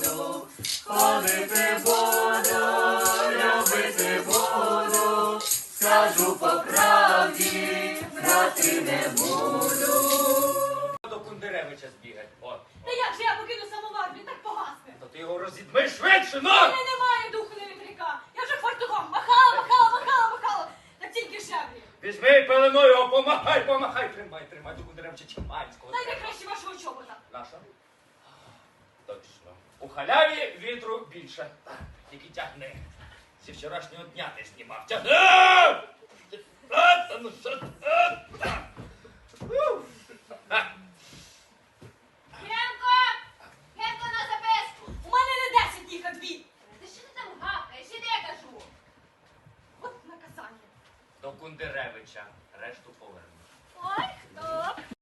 буду, ходити буду, любити буду, скажу по правді, брати не буду. До Кундеревича збігать. От. Та як же я покину самовар, він так погасне. То ти його розідми швидше, У ну! мене немає духу на вітряка. Я вже фартухом махала, так тільки шеврі. Візьми пеленою його, помахай. Тримай до Кундеревича Чиманського. Дайте краще вашого чобота. Наша? Точно. У халяві вітру більше. Так, тільки тягни. Зі вчорашнього дня ти знімав. Тягни! Ну що? Гемко на записку. У мене не 10 днів, а 2. Ти що ти там гавкаєш? Іди, я кажу. От наказання. До Кундеревича. Решту поверну. Ой, хто?